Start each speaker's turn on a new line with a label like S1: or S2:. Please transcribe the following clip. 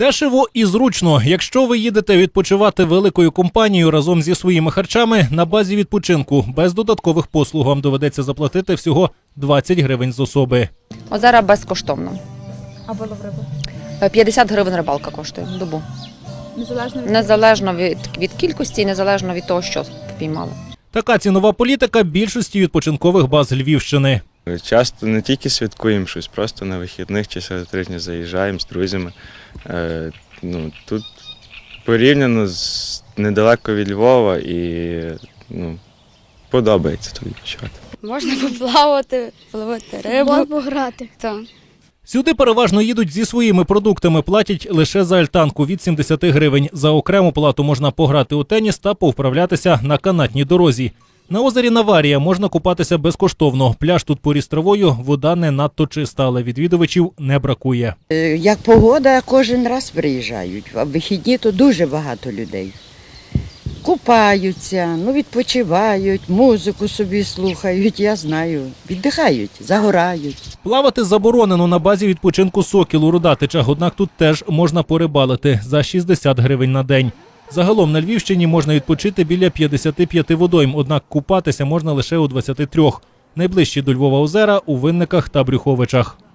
S1: Дешево і зручно. Якщо ви їдете відпочивати великою компанією разом зі своїми харчами на базі відпочинку, без додаткових послуг вам доведеться заплатити всього 20 гривень з особи.
S2: Озера безкоштовно.
S3: А вилов риби?
S2: 50 гривень рибалка коштує добу. Незалежно від кількості і незалежно від того, що впіймали.
S1: Така цінова політика більшості відпочинкових баз Львівщини.
S4: Часто не тільки святкуємо щось, просто на вихідних чи серед тижня заїжджаємо з друзями. Тут порівняно недалеко від Львова і подобається тут відпочивати.
S5: Можна поплавати, половити рибу.
S3: Пограти.
S5: Так.
S1: Сюди переважно їдуть зі своїми продуктами, платять лише за альтанку від 70 гривень. За окрему плату можна пограти у теніс та повправлятися на канатній дорозі. На озері Наварія можна купатися безкоштовно. Пляж тут поріс травою, вода не надто чиста, але відвідувачів не бракує.
S6: Як погода, кожен раз приїжджають, а в вихідні то дуже багато людей. Купаються, відпочивають, музику собі слухають, я знаю, віддихають, загорають.
S1: Плавати заборонено на базі відпочинку «Сокіл» у Родатичах, однак тут теж можна порибалити за 60 гривень на день. Загалом на Львівщині можна відпочити біля 55 водойм, однак купатися можна лише у 23. Найближчі до Львова озера у Винниках та Брюховичах.